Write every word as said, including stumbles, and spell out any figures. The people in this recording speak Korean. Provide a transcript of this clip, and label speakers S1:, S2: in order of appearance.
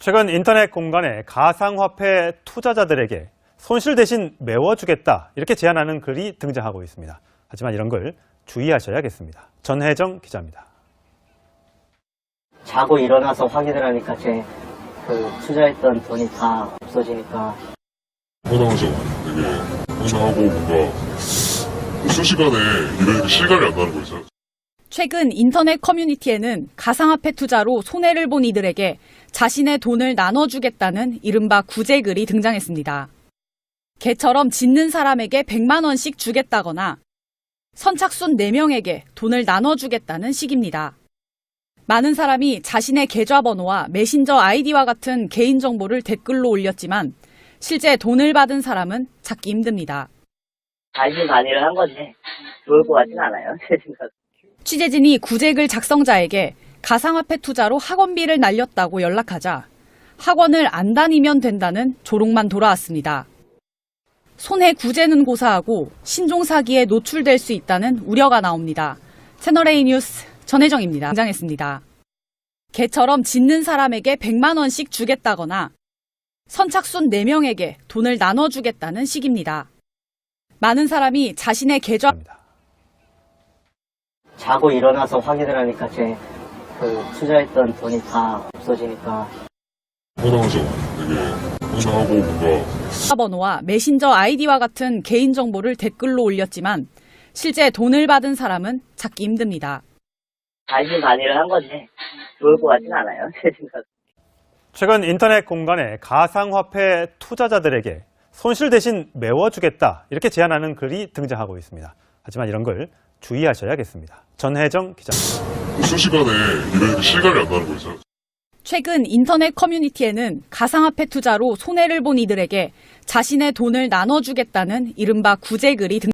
S1: 최근 인터넷 공간에 가상화폐 투자자들에게 손실 대신 메워주겠다 이렇게 제안하는 글이 등장하고 있습니다. 하지만 이런 걸 주의하셔야겠습니다. 전혜정 기자입니다.
S2: 자고 일어나서 확인을 하니까 제 그 투자했던 돈이 다 없어지니까
S3: 허당하죠. 되게 황당하고 뭔가 순식간에 이런 실감이 안 나는 거 있어요.
S4: 최근 인터넷 커뮤니티에는 가상화폐 투자로 손해를 본 이들에게 자신의 돈을 나눠주겠다는 이른바 구제글이 등장했습니다. 개처럼 짓는 사람에게 백만 원씩 주겠다거나 선착순 네 명에게 돈을 나눠주겠다는 식입니다. 많은 사람이 자신의 계좌번호와 메신저 아이디와 같은 개인정보를 댓글로 올렸지만 실제 돈을 받은 사람은 찾기 힘듭니다.
S2: 반신반의를 한 건데 좋을 것 같진 않아요. 제 생각.
S4: 취재진이 구제글 작성자에게 가상화폐 투자로 학원비를 날렸다고 연락하자 학원을 안 다니면 된다는 조롱만 돌아왔습니다. 손해 구제는 고사하고 신종사기에 노출될 수 있다는 우려가 나옵니다. 채널A 뉴스 전혜정입니다. 등장했습니다. 개처럼 짓는 사람에게 백만 원씩 주겠다거나 선착순 네 명에게 돈을 나눠주겠다는 식입니다. 많은 사람이 자신의 계좌
S2: 자고 일어나서 확인을 하니까 제 그 투자했던 돈이 다 없어지니까
S3: 허당하죠. 되게 황당하고 뭔가
S4: 번호와 메신저 아이디와 같은 개인정보를 댓글로 올렸지만 실제 돈을 받은 사람은 찾기 힘듭니다.
S2: 반신반의를 한 건데 좋을 것 같진 않아요. 제 생각.
S1: 최근 인터넷 공간에 가상화폐 투자자들에게 손실 대신 메워주겠다 이렇게 제안하는 글이 등장하고 있습니다. 하지만 이런 걸 주의하셔야겠습니다. 전혜정 기자입니다.
S3: 순식간에 이런 실감이 안 나는 거 있어요.
S4: 최근 인터넷 커뮤니티에는 가상화폐 투자로 손해를 본 이들에게 자신의 돈을 나눠주겠다는 이른바 구제글이 등장했습니다.